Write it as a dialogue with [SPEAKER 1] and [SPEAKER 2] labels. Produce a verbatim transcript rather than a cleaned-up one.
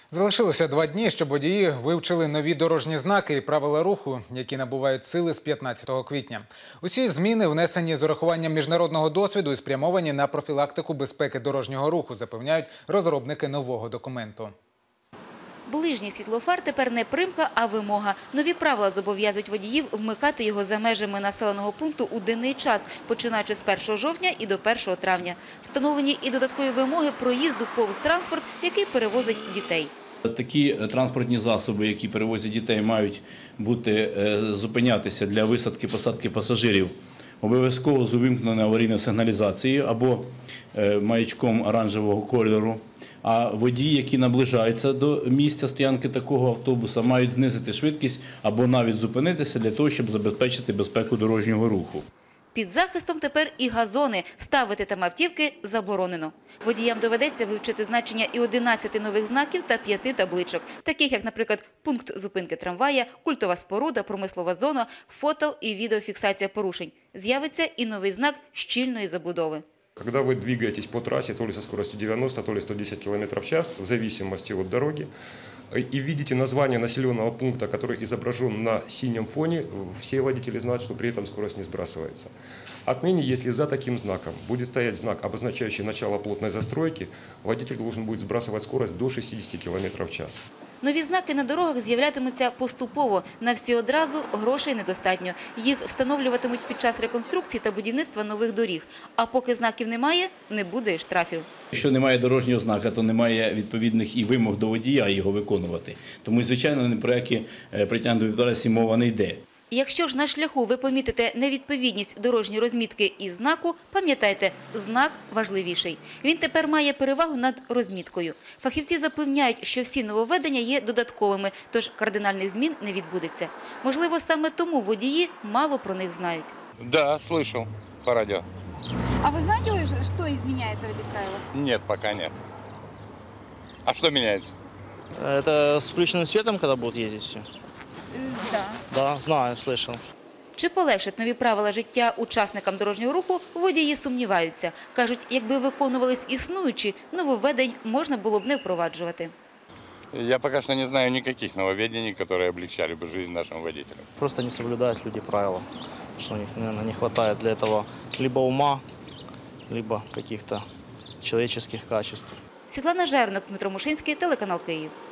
[SPEAKER 1] Залишилося два дні, щоб водії вивчили нові дорожні знаки і правила руху, які набувають сили з п'ятнадцятого квітня. Усі зміни внесені з урахуванням міжнародного досвіду і спрямовані на профілактику безпеки дорожнього руху, запевняють розробники нового документу.
[SPEAKER 2] Ближній світлофар тепер не примха, а вимога. Нові правила зобов'язують водіїв вмикати його за межами населеного пункту у денний час, починаючи з першого жовтня і до першого травня. Встановлені і додаткові вимоги проїзду повз транспорт, який перевозить дітей.
[SPEAKER 3] Такі транспортні засоби, які перевозять дітей, мають бути зупинятися для висадки-посадки пасажирів обов'язково з увімкненою аварійною сигналізацією або маячком оранжевого кольору. А водії, які наближаються до місця стоянки такого автобуса, мають знизити швидкість або навіть зупинитися для того, щоб забезпечити безпеку дорожнього руху.
[SPEAKER 2] Під захистом тепер і газони. Ставити там автівки заборонено. Водіям доведеться вивчити значення і одинадцяти нових знаків та п'яти табличок, таких як, наприклад, пункт зупинки трамвая, культова споруда, промислова зона, фото і відеофіксація порушень. З'явиться і новий знак щільної забудови.
[SPEAKER 4] Когда вы двигаетесь по трассе, то ли со скоростью девяносто, то ли сто десять километров в час, в зависимости от дороги, и видите название населенного пункта, который изображен на синем фоне, все водители знают, что при этом скорость не сбрасывается. Отныне, если за таким знаком будет стоять знак, обозначающий начало плотной застройки, водитель должен будет сбрасывать скорость до шестидесяти километров в час.
[SPEAKER 2] Нові знаки на дорогах з'являтимуться поступово. На всі одразу грошей недостатньо. Їх встановлюватимуть під час реконструкції та будівництва нових доріг. А поки знаків немає, не буде і штрафів.
[SPEAKER 3] Якщо немає дорожнього знака, то немає відповідних і вимог до водія його виконувати. Тому, звичайно, ні про які притягнення до відповідальності мова не йде.
[SPEAKER 2] Якщо ж на шляху ви помітите невідповідність дорожньої розмітки і знаку, пам'ятайте, знак важливіший. Він тепер має перевагу над розміткою. Фахівці запевняють, що всі нововведення є додатковими, тож кардинальних змін не відбудеться. Можливо, саме тому водії мало про них знають.
[SPEAKER 5] Да, слышал по радио.
[SPEAKER 6] А вы знаете, что изменяется в этих правилах?
[SPEAKER 5] Нет, пока нет. А что меняется?
[SPEAKER 7] Это с включенным светом, когда будут ездить все?
[SPEAKER 6] Да.
[SPEAKER 7] Да, знаю, слышал.
[SPEAKER 2] Чи полегшать нові правила життя учасникам дорожнього руху, водії сумніваються. Кажуть, якби виконувались існуючі, нововведень можна було б не впроваджувати.
[SPEAKER 5] Я пока что не знаю никаких нововведений, которые облегчали бы жизнь нашим водителям.
[SPEAKER 7] Просто не соблюдают люди правила, что у них, наверное, не хватает для этого либо ума, либо каких-то человеческих качеств.
[SPEAKER 2] Світлана Жернок, Дмитро Мушинський, телеканал Київ.